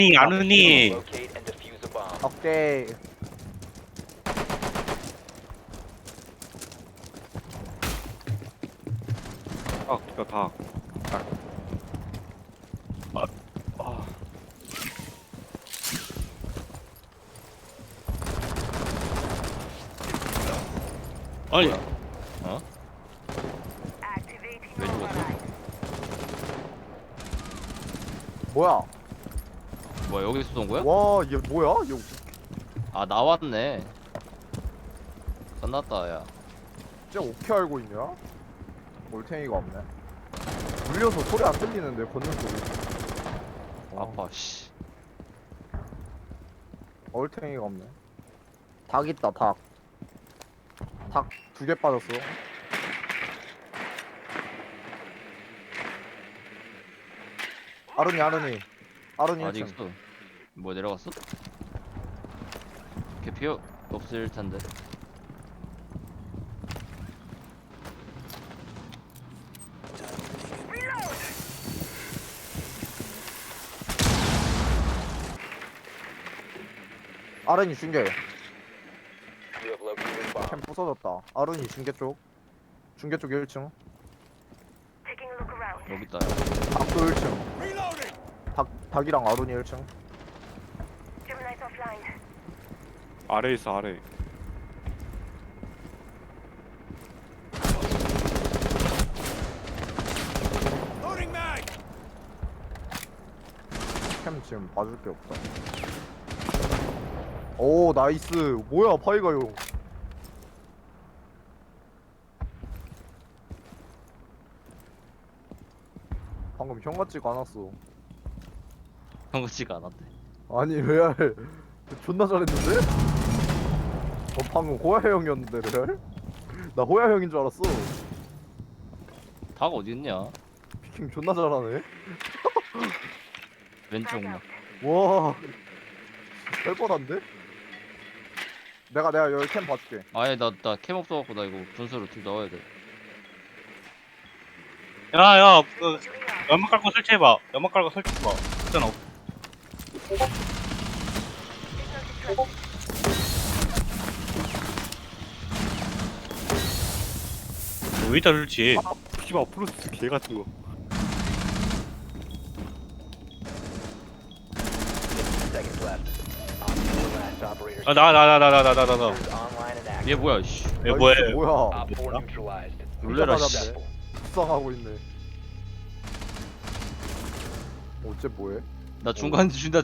아누니 Locate and defuse a bomb. 오케이. 이거 다. 아니 왜 죽었어? 뭐야? 뭐야 여기서 쏜 거야? 와, 얘 뭐야? 얘 아 나왔네. 끝났다 야. 진짜 어떻게 알고 있냐? 올탱이가 없네. 물려서 소리 안 들리는데 걷는 소리. 아파 씨. 올탱이가 없네. 닭 있다, 닭. 닭 2개 빠졌어. 아르니 아직 1층. 있어. 뭐 내려갔어? 걔 피어 없을 텐데. 아르니 중계. You have located a bomb. 캠 부서졌다. 아르니 중계 쪽. 중계 쪽 1층. 여기 있다. 닭도 1층. 닭이랑 아르니 1층. 아래 있어 아래. 캠 지금 봐줄 게 없다. 오, 나이스. 뭐야, 파이가요. 방금 형 같지가 않았어. 형 같지가 않았대. 아니, 레알 존나 잘했는데? 방금 호야 형이었는데, 레알? 나 호야 형인 줄 알았어. 닭 어디 있냐? 피킹 존나 잘하네. 왼쪽 막. 와, 뺄뻔한데? 내가 여기 캠 봐줄게. 아예 나 캠 없어갖고 나 이거 분수로 딜 넣어야 돼. 야야 그 연막 깔고 설치해봐. 연막 깔고 설치해봐. 있잖아. 여기다 설치. 씨발 프로스트 개 같은 거. 15 seconds left. Op 4 last operator. 나. Is online and active. 얘 뭐야 씨. 얘 뭐해? 나이스, 뭐야. Op 4 neutralized. 놀래라 씨. Successful. 불쌍하고 있네. 어째 뭐해? 나 중간 준다